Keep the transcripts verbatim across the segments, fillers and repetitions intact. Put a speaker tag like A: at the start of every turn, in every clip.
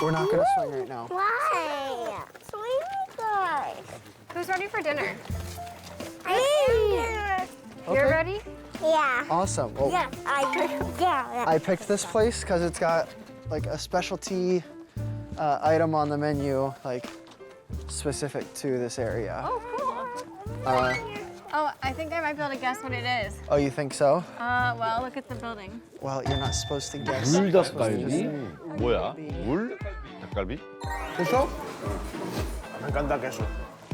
A: We're not gonna swing right now.
B: Why? Swing guys.
C: Who's ready for dinner?
B: I am.
C: You're ready?
B: Yeah.
A: Awesome. Well,
B: Yeah. I. Yeah.
A: I picked this place because it's got like a specialty uh, item on the menu, like specific to this area.
C: Oh, cool.
A: Uh,
C: Oh, I think I might be able to guess what it is.
A: oh, you think so?
C: Uh, well, look at the building.
A: Well, you're not supposed to guess.
D: 물닭갈비? 뭐야? 물? 닭갈비?
A: 그래서?
E: Me encanta queso.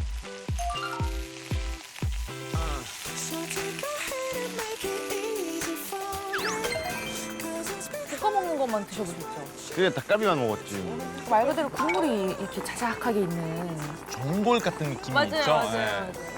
F: 볶아 먹는 것만 드셔보셨죠?
D: 그게 닭갈비만 먹었지.
F: 말 그대로 국물이 이렇게 자작하게 있는.
G: 전골 같은 느낌이
F: 맞아요,
G: 있죠?
F: 맞아요,
G: 네.
F: 맞아요.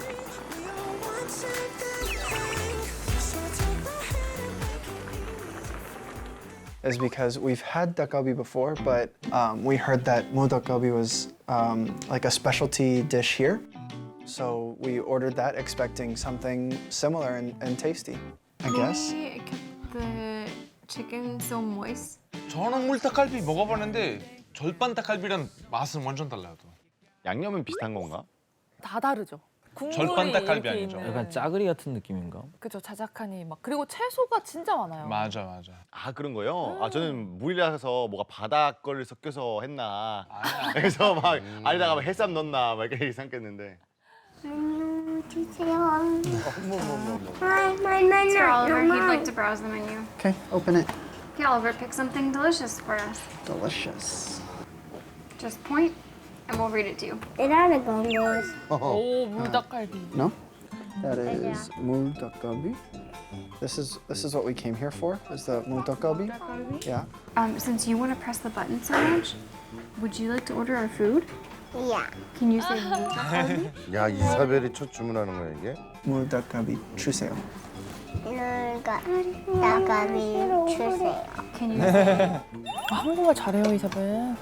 A: Is because we've had dakgalbi before, but um, we heard that mo dakgalbi was um, like a specialty dish here. So we ordered that expecting something similar and, and tasty, I guess.
C: Maybe it kept the chicken so moist.
G: 저는 물닭갈비 먹어봤는데 절반 닭갈비랑 맛은 완전 달라요. 또.
D: 양념은 비슷한 건가?
F: 다 다르죠. 국물이
G: 절반 닭갈비
F: 이렇게
G: 아니죠?
F: 있는.
H: 약간 짜글이 같은 느낌인가?
F: 그죠, 자작하니 막 그리고 채소가 진짜 많아요.
G: 맞아, 맞아.
D: 아 그런 거요? 아 저는 물이라서 뭐가 바다 거를 섞여서 했나.
G: 아니야.
D: 그래서 막 아니다가 막 해삼 넣나 막 이렇게 생각했는데.
B: 음, 주세요. My, my, my,
C: Sir Oliver,
B: my.
C: he'd like to browse the menu.
A: Okay, open it.
C: Okay, Oliver, pick something delicious for us.
A: Delicious.
C: Just point, and we'll read it to you.
B: It ought to go yours.
F: 오, 물닭갈비.
A: No? That is mo dakgalbi. This is this is what we came here for. Is the mo dakgalbi? Yeah.
C: Um, since you want to press the button so much, would you like to order our food?
B: Yeah.
C: Can you say 닭갈비?
E: 야 이사벨이 첫 주문하는 거야 이게?
A: mo dakgalbi 주세요.
B: 누가 나가비 주세요.
C: Can you say
F: 아, 한국말 잘해요, 이사벨.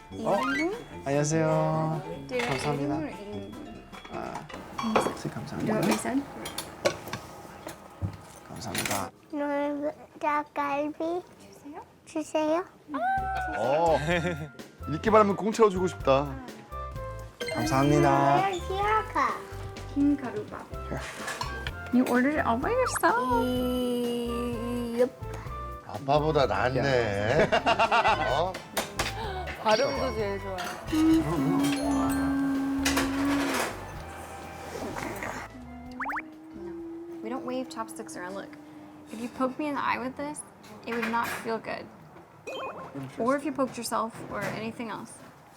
A: 안녕하세요.
C: did I
A: 감사합니다.
C: eat it or eat it?
A: 아, 네,
C: Do what
A: 감사합니다.
C: we said?
A: 감사합니다.
B: 누가갈비 주세요.
D: 어. 읽기만 하면 공짜로 주고 싶다.
A: 감사합니다.
B: 시아카.
C: King Karuba. You ordered it all by yourself?
B: Yup.
E: 아빠보다 낫네. 어?
F: 발음도 제일 좋아요.
C: We don't wave chopsticks around. Look, if you poked me in the eye with this, it would not feel good. Or if you poked yourself or anything else.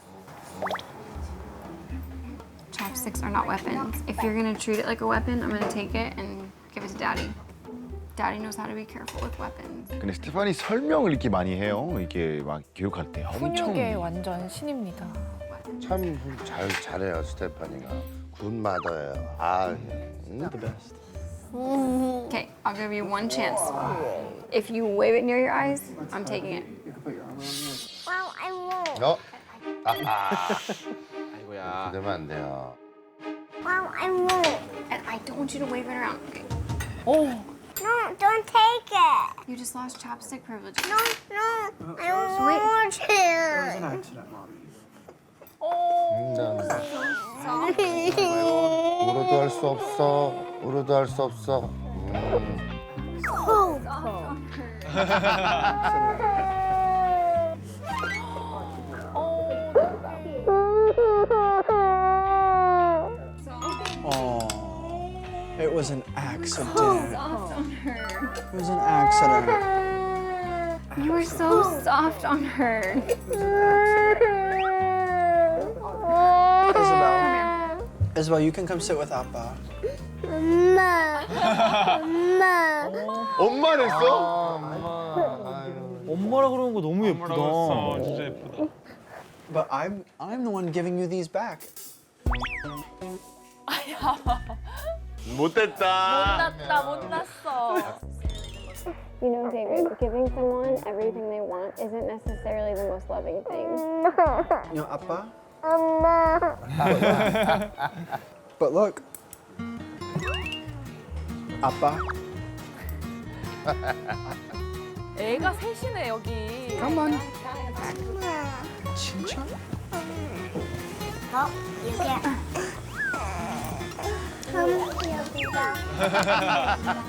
C: Chopsticks are not weapons. If you're gonna treat it like a weapon, I'm gonna take it and give it to Daddy. Daddy knows how to be careful with weapons.
D: 근데 스테파니 설명을 이렇게 많이 해요. 이게 막 교육할 때 엄청.
F: 훈육에 완전 신입니다.
E: 참 잘 잘해요 스테파니가. 굿마더예요. 아, 음.
A: The best.
C: Okay, I'll give you one chance. If you wave it near your eyes, I'm taking it.
A: You can put your arm around me.
B: Well, I won't.
E: 어? 아하.
D: 아이고야.
E: 그러면 안 돼요.
B: Well, I won't.
C: And I don't want you to wave it around. Okay.
F: 오,
B: No, don't take it.
C: You just lost chopstick privileges.
B: No, no. I don't
C: Wait.
B: want
A: It was an
B: to.
A: accident, Mommy.
E: 음, 난 울어도 할 수 없어. 울어도 할 수 없어. 음.
A: Oh, it was an accident. It
C: on her.
A: was an accident.
C: You were so soft on her.
A: Isabel. Isabel, you can come sit with Appa.
B: 엄마. 엄마.
D: 엄마랬어?
H: 엄마라 그러는 거 너무
G: 뭐라고
H: 예쁘다.
G: 했어? 진짜 예쁘다.
A: But I'm I'm the one giving you these back.
D: 못됐다.
F: 못났다, 못났어.
C: You know, David, giving someone everything they want isn't necessarily the most loving thing.
A: You know, Appa.
B: 엄마.
A: But look. Appa.
F: 애가 셋이네, 여기.
A: Come on.
C: backpack.
A: 진짜?
B: 어, 여기야. 음, 여기다.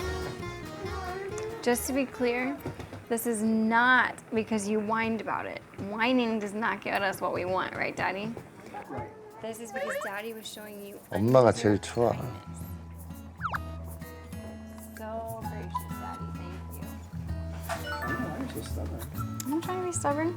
C: Just to be clear, this is not because you whined about it. Whining does not get us what we want, right, Daddy?
A: Right.
C: This is because Daddy was showing you.
E: 엄마가 제일 좋아.
C: So gracious, Daddy. Thank you.
A: I don't know why you're so stubborn.
C: I'm trying to be stubborn.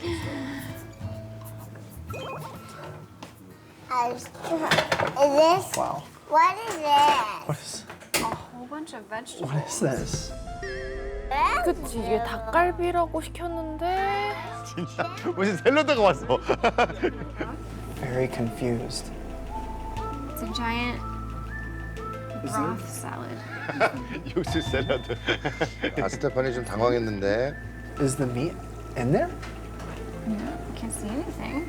B: Uh, Is this?
A: Wow.
B: What is this?
A: What is
C: A whole bunch of vegetables.
A: what is this?
F: 그치 이게 닭갈비라고 시켰는데
D: 진짜 무슨 샐러드가 왔어.
A: Very confused.
C: It's a giant broth salad.
D: 육수 샐러드.
E: 아 스테파니 좀 당황했는데.
A: Is the meat in there?
C: You can't see anything.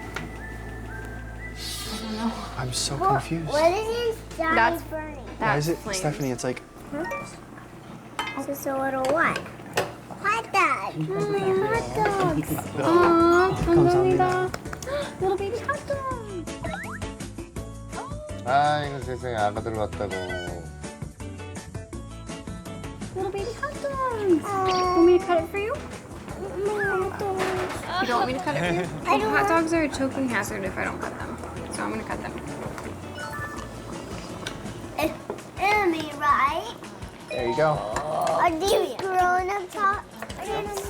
C: I don't know.
A: I'm so
B: What,
A: confused.
B: what is inside
C: That's-
B: Bernie?
A: Why
C: That's
A: is it,
C: flames.
A: Stephanie? It's like
B: It's just a little what? Hot dog. Mm, hot dogs.
C: Aw,
A: 감사합니다.
C: Little baby hot dog.
E: 아이고 세상에 아가들 왔다고.
C: Little baby hot dogs. Want me to cut it for you?
B: Hot dogs.
C: You don't want me to cut it for you?
B: I don't
C: Hot
B: want-
C: dogs are a choking hazard if I don't cut them. So I'm gonna cut them.
B: It, it'll be right.
A: there you go.
B: Are these grown-up hot dogs?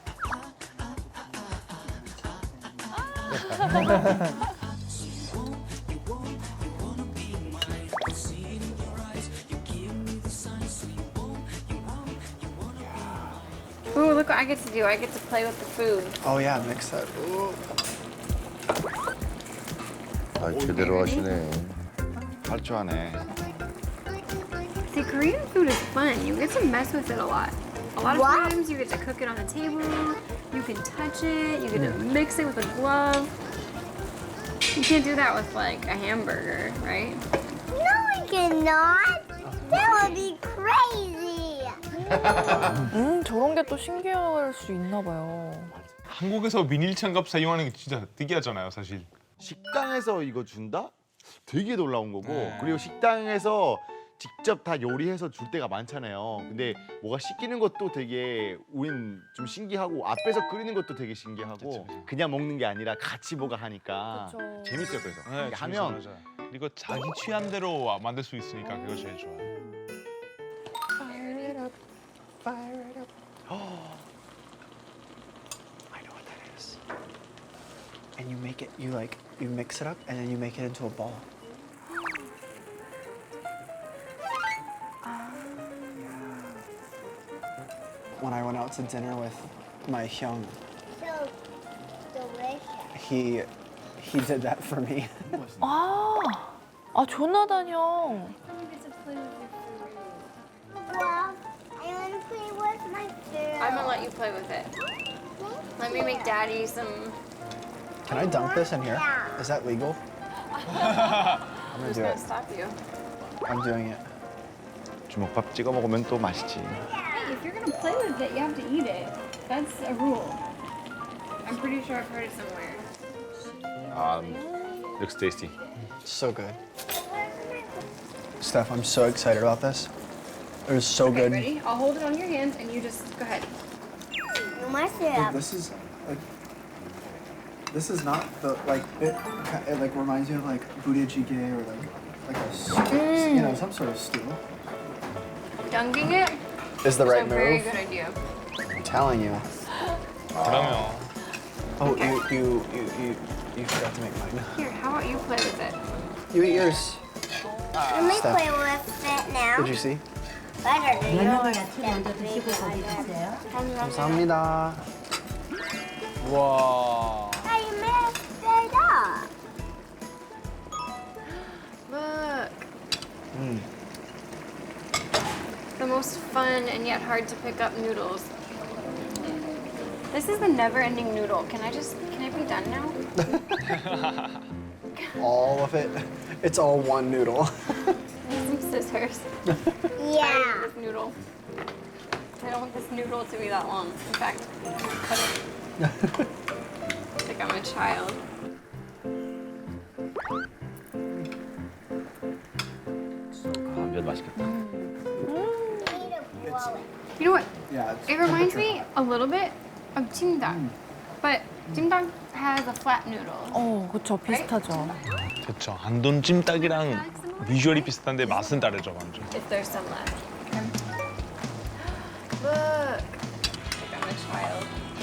C: Ooh, look what I get to do. I get to play with the food.
A: Oh yeah, mix that. Ooh.
E: 아 제대로 하시네.
D: 할 줄 아네.
C: See, Korean food is fun. You get to mess with it a lot. A lot of
B: What?
C: times you get to cook it on the table. You can touch it. You get to mix it with a glove. You can't do that with like a hamburger, right?
B: No, we cannot. That would be crazy.
F: 음 저런 게 또 신기할 수 있나 봐요.
G: 한국에서 비닐 장갑 사용하는 게 진짜 특이하잖아요, 사실.
D: 식당에서 이거 준다? 되게 놀라운 거고
G: 네.
D: 그리고 식당에서 직접 다 요리해서 줄 때가 많잖아요. 근데 뭐가 시키는 것도 되게 우린 좀 신기하고 앞에서 끓이는 것도 되게 신기하고
G: 그쵸, 그쵸.
D: 그냥 먹는 게 아니라 같이 뭐가 하니까
F: 그쵸.
D: 재밌어요. 그래서
G: 네,
D: 이게
G: 재밌어요,
D: 하면
G: 맞아요. 그리고 자기 취향대로 만들 수 있으니까 그거 제일 좋아요.
A: Fire it up. Fire it up. I know what that is. And you make it. You like. You mix it up, and then you make it into a ball. When I went out to dinner with my hyung,
B: So delicious.
A: he he did that for me.
F: 아, 아 조나단 형.
B: Well, I want to play with my food.
C: I'm gonna let you play with it. Let me make Daddy some.
A: Can I dunk this in here?
B: Yeah.
A: Is that legal? I'm gonna
C: Who's
A: do
C: gonna
A: it.
C: stop you?
A: I'm doing it.
D: 주먹밥 찍어 먹으면 또 맛있지.
C: Hey, if you're gonna play with it, you have to eat it. That's a rule. I'm pretty sure I've heard it somewhere.
D: 아, looks tasty.
A: So good. Steph, I'm so excited about this. It was so
C: Okay,
A: good.
C: ready? I'll hold it on your hands and you just go ahead.
B: No more
A: Like,
B: syrup.
A: this is like this is not the like it, ki- it like reminds me of like budae-jjigae or like like a stew, you know, some sort of stew.
C: Dunking it
A: Is the
C: is
A: right
C: a very
A: move?
C: good idea.
A: I'm telling you.
G: 그러면
A: Oh, you you you you you forgot to make mine.
C: Here, how about you play with it?
A: You eat yours.
B: Let me
A: Steph.
B: play with it now.
A: Did you see?
B: Better than
I: 면역을
B: yours.
I: 야채 먼저 드시고 거기 드세요.
A: 감사합니다.
G: 와.
B: I messed it up.
C: Look.
A: Mm.
C: The most fun and yet hard to pick up noodles. This is the never-ending noodle. Can I just, can I be done now?
A: All of it. It's all one noodle.
C: Need some scissors.
B: Yeah.
C: This noodle. I don't want this noodle to be that long. In fact, cut it. Like I'm a child.
H: 아, 면 맛있겠다.
C: You know what?
A: Yeah. It's
C: It reminds me a little bit of jjimdang, but jjimdang has a flat noodle.
F: 어, 그쵸. 비슷하죠.
G: 그렇죠. 안돈 찜닭이랑 비주얼이 비슷한데 맛은 다르죠, 완전.
C: If there's some left. Look, like I'm a child.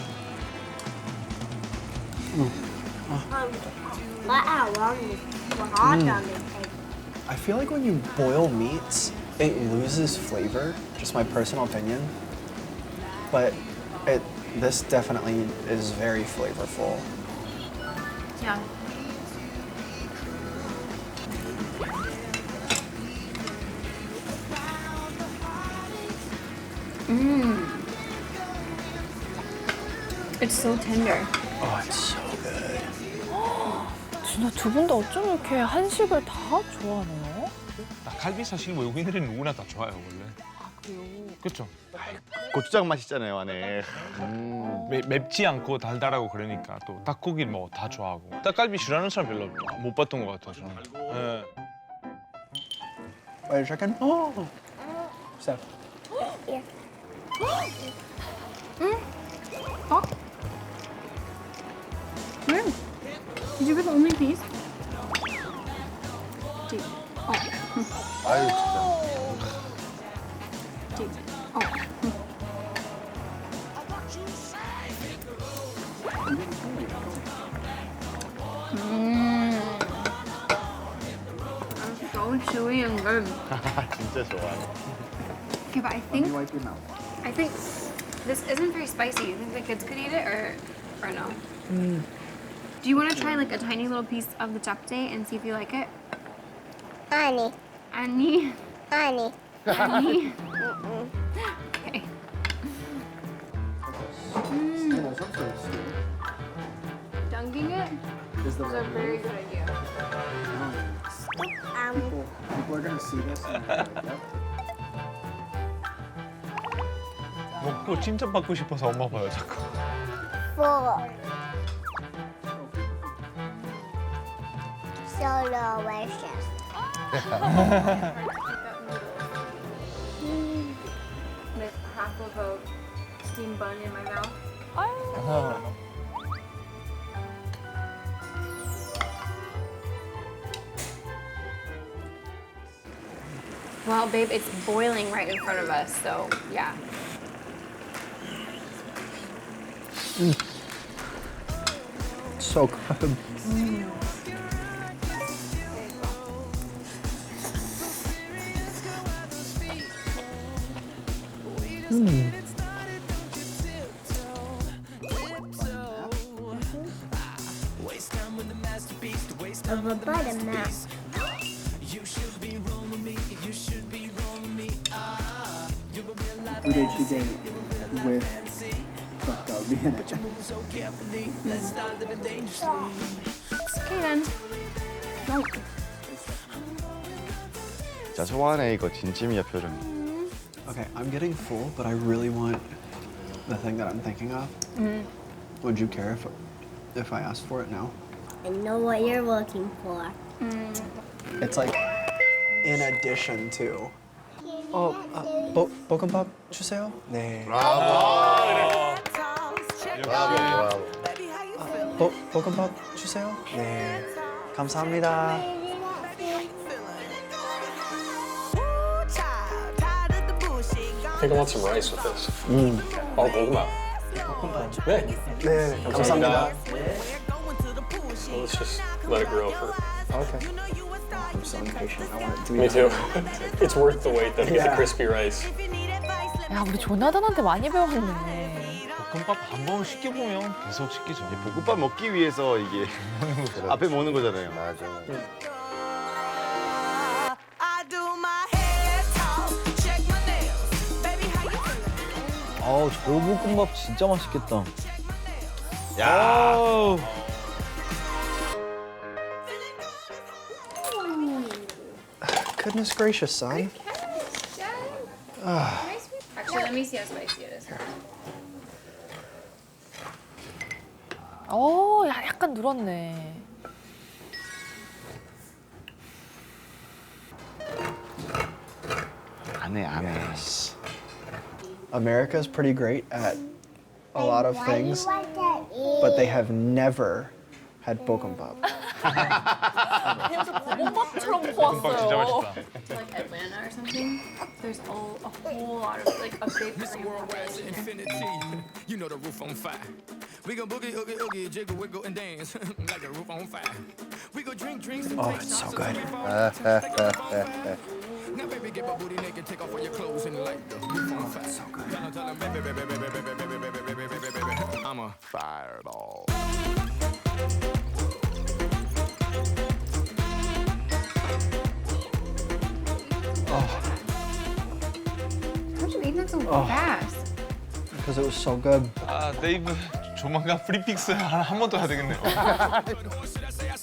A: I feel like when you boil meats, it loses flavor. Just my personal opinion. But it this definitely is very flavorful.
C: Yeah. Mmm. It's so tender.
A: Oh, it's so good.
F: 진짜 두 분 다 어쩜 이렇게 한식을 다 좋아하네요?
G: 닭갈비 사실 외국인들은 누구나 다 좋아요, 원래. 아, 그래요? 그렇죠.
D: 고추장 맛 있잖아요 안에.
G: 매, 맵지 않고 달달하고 그러니까 또 닭고기 뭐 다 좋아하고. 닭갈비 싫어하는 사람 별로 못 봤던 것 같아요, 저는. 예.
A: Butter chicken? Oh. So.
C: Oh. Where? Did you get the only piece? Deep. Oh.
E: 아유 진짜.
C: Deep. Oh. Mmm. That's so chewy and good.
D: 진짜 좋아요.
C: Okay, but I think I think this isn't very spicy. You think the kids could eat it or or no? Do you want to try like a tiny little piece of the japchae and see if you like it?
B: Annie,
C: Annie,
B: Annie.
C: Annie. Okay. Mm. Dunking it is a very good idea.
B: Um,
A: People are gonna see this.
G: 먹고 칭찬받고 싶어서 엄마 봐요, 자꾸.
B: four. So delicious.
C: With half of a steamed bun in my mouth. Well, babe, it's boiling right in front of us, so yeah.
A: So good.
B: Of a buttermilk.
A: Uday chicken with 닭갈비 in it.
C: Okay then. No.
D: 진짜 좋아하네 이거 진심이야 표정이.
A: Okay, I'm getting full, but I really want the thing that I'm thinking of. Would you care if if I asked for it now?
B: I know what you're looking for.
A: It's like in addition to. Oh, uh, 보, 볶음밥 주세요. 네.
E: 브라보. 브라보.
A: 보, 볶음밥 주세요. 네. 감사합니다.
J: I think I want some rice with this. 어, 고구마. 네.
A: 네, 감사합니다.
J: So let's just let it grow for.
A: Okay. I'm so impatient. I want it to be
J: Me too.
A: done.
J: It's worth the wait though to get the
A: Yeah.
J: crispy rice.
F: 야, 우리 조나단한테 많이 배웠네.
G: 볶음밥 한 번 시켜보면 계속 시키죠.
D: 볶음밥 먹기 위해서 이게 앞에 먹는 거잖아요.
E: 맞아.
H: 아우, 저 볶음밥 진짜 맛있겠다.
D: 야.
A: Goodness gracious, son.
C: Actually, let me see how spicy it is.
F: 어, 야, 약간 늘었네.
D: 안 해, 안 해.
A: America's pretty great at a lot of
B: Why
A: things,
B: you want to eat?
A: but they have never had bokkeumbap.
F: 볶음밥처럼
G: 볶음밥 진짜
F: 구웠어요.
G: 맛있다.
C: Like Atlanta or something. There's a, a whole lot of like a big population.
K: You know the roof on fire. We go boogie, oogie, oogie, jiggle, wiggle, and dance like the roof on fire. We go drink drinks and
A: Oh,
K: take
A: it's so
K: shots
A: good.
K: until we fall. Take off all fire. Now, baby, get my booty naked, take off all your clothes and light the roof on fire. So good. Tell 'em, tell 'em, baby, baby, baby, baby, baby, baby, baby, baby, baby, baby, I'm a fireball.
C: How'd you eat that so
A: Oh.
C: fast?
A: Because it was so good.
G: 아, 데이브 조만간 프리픽스 한 번 더 해야 되겠네요.